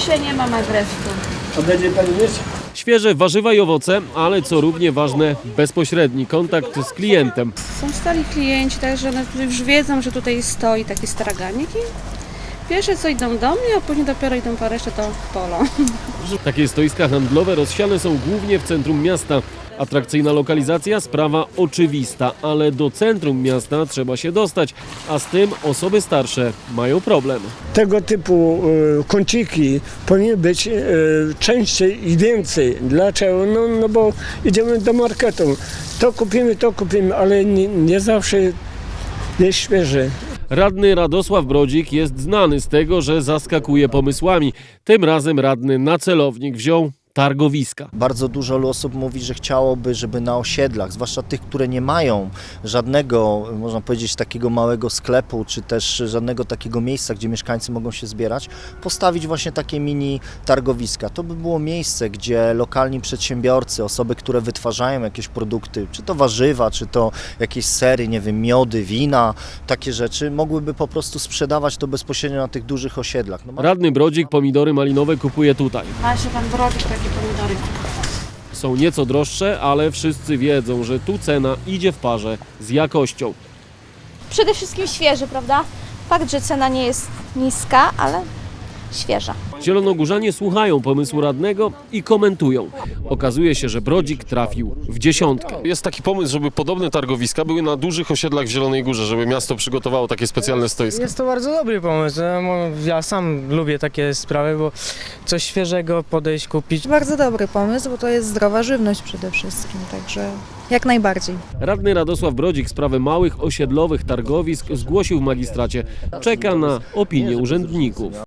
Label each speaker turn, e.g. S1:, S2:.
S1: Dzisiaj nie mam agresu.
S2: A będzie pani mieć?
S3: Świeże warzywa i owoce, ale co równie ważne, bezpośredni kontakt z klientem.
S1: Są stali klienci, także one już wiedzą, że tutaj stoi taki straganik i pierwsze co idą do mnie, a później dopiero idą po resztę to polo.
S3: Takie stoiska handlowe rozsiane są głównie w centrum miasta. Atrakcyjna lokalizacja, sprawa oczywista, ale do centrum miasta trzeba się dostać, a z tym osoby starsze mają problem.
S2: Tego typu kąciki powinny być częściej i więcej. Dlaczego? No bo idziemy do marketu. To kupimy, ale nie zawsze jest świeże.
S3: Radny Radosław Brodzik jest znany z tego, że zaskakuje pomysłami. Tym razem radny na celownik wziął targowiska.
S4: Bardzo dużo osób mówi, że chciałoby, żeby na osiedlach, zwłaszcza tych, które nie mają żadnego, można powiedzieć, takiego małego sklepu, czy też żadnego takiego miejsca, gdzie mieszkańcy mogą się zbierać, postawić właśnie takie mini targowiska. To by było miejsce, gdzie lokalni przedsiębiorcy, osoby, które wytwarzają jakieś produkty, czy to warzywa, czy to jakieś sery, nie wiem, miody, wina, takie rzeczy, mogłyby po prostu sprzedawać to bezpośrednio na tych dużych osiedlach.
S3: Radny Brodzik pomidory malinowe kupuje tutaj.
S1: Ma się pan Brodzik takie pomidory.
S3: Są nieco droższe, ale wszyscy wiedzą, że tu cena idzie w parze z jakością.
S5: Przede wszystkim świeży, prawda? Fakt, że cena nie jest niska, ale świeża.
S3: Zielonogórzanie słuchają pomysłu radnego i komentują. Okazuje się, że Brodzik trafił w dziesiątkę.
S6: Jest taki pomysł, żeby podobne targowiska były na dużych osiedlach w Zielonej Górze, żeby miasto przygotowało takie specjalne stoiska.
S7: Jest to bardzo dobry pomysł. Ja sam lubię takie sprawy, bo coś świeżego podejść, kupić.
S8: Bardzo dobry pomysł, bo to jest zdrowa żywność przede wszystkim, także jak najbardziej.
S3: Radny Radosław Brodzik sprawę małych osiedlowych targowisk zgłosił w magistracie. Czeka na opinię urzędników.